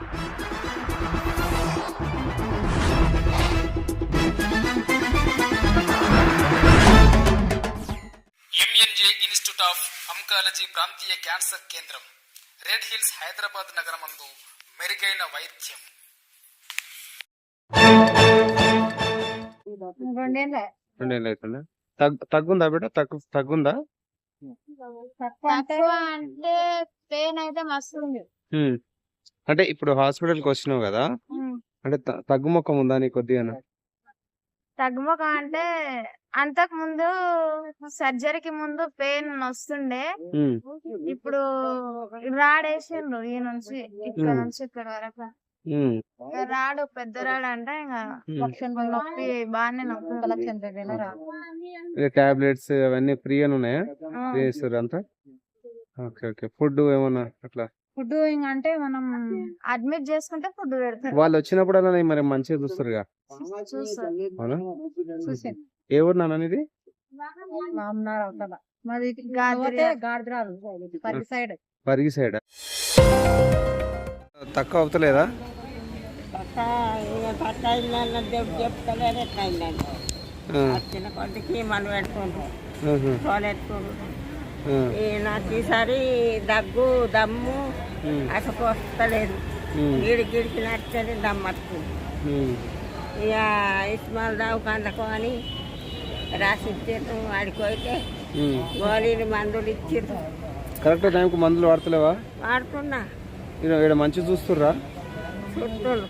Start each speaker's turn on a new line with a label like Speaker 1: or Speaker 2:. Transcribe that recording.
Speaker 1: MNJ institute of oncology ప్రాంతీయ cancer కేంద్రం, Red Hills, Hyderabad నగరమందు మెరుగైన వైద్యం.
Speaker 2: తగ్గుందా బిడ్డ? తగ్గుందా?
Speaker 3: అంటే పెయిన్ అయితే మస్తు ఉంది.
Speaker 2: అంటే ఇప్పుడు హాస్పిటల్ కి వచ్చినావు కదా, అంటే తగ్గుముఖం ఉందా నీ కొద్దిగా?
Speaker 3: తగ్గుముఖం అంటే అంతకు ముందు సర్జరీకి ముందు పెయిన్ వస్తుండే, ఇప్పుడు రాడేసిండ్రు ఈ నుంచి ఇక్కడ నుంచి ఇక్కడ వరకు. రాడు పెద్ద రాడు అంటే ఇంకా నొప్పి బాగానే నొప్పి.
Speaker 2: టాబ్లెట్స్ అవన్నీ ఫ్రీ అని ఉన్నాయా? అంతా ఓకే ఓకే. ఫుడ్ ఏమన్నా అట్లా?
Speaker 3: ఫుడ్ అంటే మనం అడ్మిట్ చేసుకుంటే ఫుడ్ పెడతారు.
Speaker 2: వాళ్ళు వచ్చినప్పుడు అలా మరి మంచిగా చూస్తారుగా? అవునా? ఏ ఊరు నాన్న ఇది? పరిగి సైడ్. తక్కువ అవుతలేదా?
Speaker 4: చిన్న కొద్దికి మనం పెట్టుకుంటాం. నాకు ఈసారి దగ్గు దమ్ము అసలు వస్తలేదు. గిడికి నచ్చని దమ్ము వస్తుంది. ఇక ఇస్మాల్ దావుకందకు అని రాసి ఇచ్చారు. ఆడిపోతే గోళీలు మందులు ఇచ్చారు.
Speaker 2: కరెక్ట్ టైంకి మందులు వాడతలేవా?
Speaker 4: వాడుతున్నా.
Speaker 2: ఇక్కడ మంచి చూస్తుర్రా?
Speaker 4: చుట్టూ